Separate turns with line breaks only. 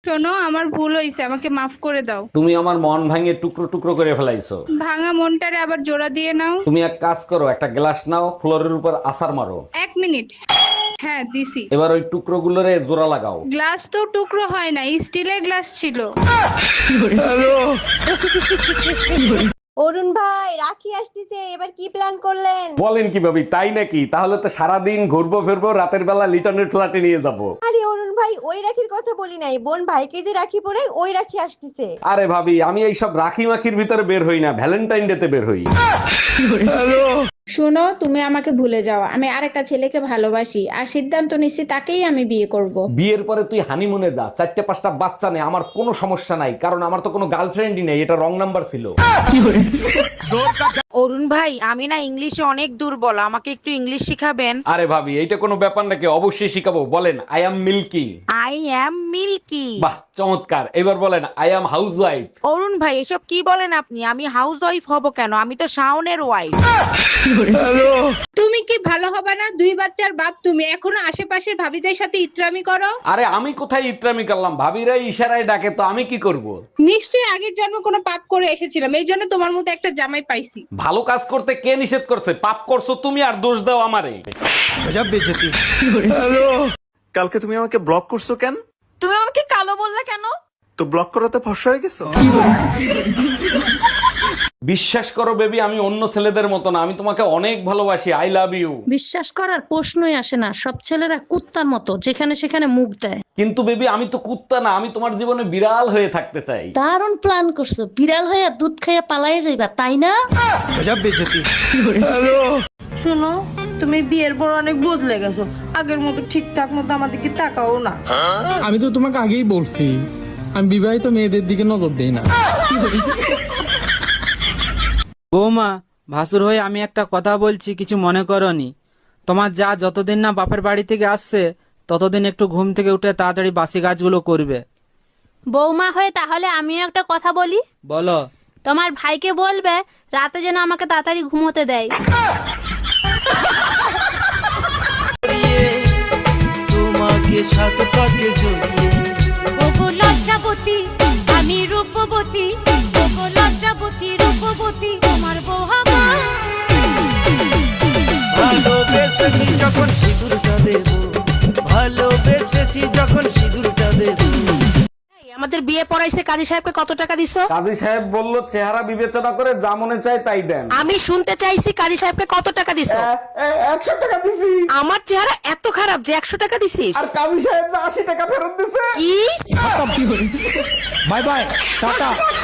শোনো, আমার ভুল হয়েছে, আমাকে মাফ করে দাও।
তুমি আমার মন ভাঙে টুকরো টুকরো করে ফেলাইছো।
ভাঙা মনটারে আবার জোড়া দিয়ে নাও।
তুমি এক কাজ করো, একটা গ্লাস নাও, ফ্লোরের উপর আছাড় মারো।
1 মিনিট। হ্যাঁ দিছি।
এবার ওই টুকরো গুলোরে জোড়া লাগাও।
গ্লাস তো টুকরো হয় না, স্টিলের গ্লাস ছিল।
অরুণ ভাই, রাখি আসতেছে, এবার কি প্ল্যান করলেন?
বলেন কি ভাবি, তাই নাকি? তাহলে তো সারাদিন ঘুরবো ফিরবো, রাতের বেলা লিটনের ফ্ল্যাটে নিয়ে যাব।
আরে অরুণ ভাই, ওই রাখির কথা বলি নাই, বোন ভাইকে যে রাখি পরে ওই রাখি আসতেছে।
আরে ভাবি, আমি এইসব রাখি মাখির ভিতরে বের হই না, ভ্যালেন্টাইন ডে তে বের হই।
শোনো, তুমি আমাকে ভুলে যাও। আমি আরেকটা ছেলেকে ভালোবাসি আর সিদ্ধান্ত নিচ্ছি তাকেই আমি বিয়ে করব।
বিয়ের পরে তুই হানিমুনে যা, 4-5টা বাচ্চা নে, আমার কোনো সমস্যা নাই, কারণ আমার তো কোনো গার্লফ্রেন্ডই নেই, এটা রং নাম্বার ছিল।
অরুণ ভাই, আমি না ইংলিশে অনেক দুর্বল, আমাকে একটু ইংলিশ শিখাবেন?
আরে ভাবি, এইটা কোনো ব্যাপার নাকি? অবশ্যই শিখাবো, বলেন I am milky.
I am milky.
বাহ, চমৎকার। এবার বলেন I am housewife.
Arun ভাই, এসব কি বলেন আপনি? আমি হাউস ওয়াইফ হব কেন? আমি তো শাওনের ওয়াইফ।
তুমি কি ভালো হবে না? 2 বাচ্চার বাপ তুমি, এখনো আশেপাশের ভাবিদের সাথে ইত্রামি করো।
আরে আমি কোথায় ইত্রামি করলাম? ভাবিরাই ইশারায় ডাকে, তো আমি কি করব?
নিশ্চয়ই আগের জন্ম কোনো পাপ করে এসেছিলাম, এই জন্য তোমার মতো একটা জামাই পাইছি।
ভালো কাজ করতে কে নিষেধ করছে? পাপ করছো তুমি, আর দোষ দাও আমারে।
কালকে তুমি আমাকে ব্লক করছো কেন?
তুমি আমাকে কালো বললা কেন?
তো ব্লক করাতে ফর্সা হয়ে গেছো?
বিশ্বাস করো বেবি, আমি অন্য ছেলেদের মতো না, আমি তোমাকে অনেক ভালোবাসি। I love you.
বিশ্বাস করার প্রশ্নই আসে না, সব ছেলেরা কুত্তার মতো, যেখানে সেখানে মুখ দেয়।
কিন্তু বেবি, আমি তো কুত্তা না, আমি তোমার জীবনে বিড়াল হয়ে থাকতে চাই।
দারুণ প্ল্যান করছো, বিড়াল হইয়া দুধ খাইয়া পালাইয়া যাইবা, তাই না?
শোনো, তুমি বিয়ের পর অনেক বদলে গেছো, আগের মতো ঠিকঠাক মতো আমাদেরকে তাকাও না।
আমি তো তোমাকে আগেই বলছি, আমি বিবাহিত মেয়েদের দিকে নজর দেই না।
বৌমা, ভাসুর হয়ে আমি একটা কথা বলছি, কিছু মনে করনি। তোমার যা যতদিন না বাপের বাড়ি থেকে আসছে, ততদিন একটু ঘুম থেকে উঠে তাড়াতাড়ি বাসি কাজগুলো করবে।
বৌমা হয়ে তাহলে আমিও একটা কথা বলি।
বলো।
তোমার ভাইকে বলবে রাতে যেন আমাকে তাড়াতাড়ি ঘুমোতে দেয়।
তোমাকে সাথে পাকে জড়িয়ে,
ওগো লজ্জাবতী, আমি রূপবতী, ওগো লজ্জাবতী রূপবতী, তোমার বউ আমার।
ভালোবেসেছি যখন সিঁদুরটা দেব, ভালোবেসেছি যখন সিঁদুরটা দেব।
আমাদের বিয়ে পড়াইছে, কাজী সাহেবকে কত টাকা দিছো?
কাজী সাহেব বলল চেহারা বিবেচনা করে যা মনে চায় তাই দেন।
আমি শুনতে চাইছি কাজী সাহেবকে কত টাকা দিছো?
100 টাকা দিছি।
আমার চেহারা এত খারাপ যে 100 টাকা দিছিস?
আর কাজী সাহেব 80 টাকা ফেরত দিছে।
কি?
Bye bye, tata.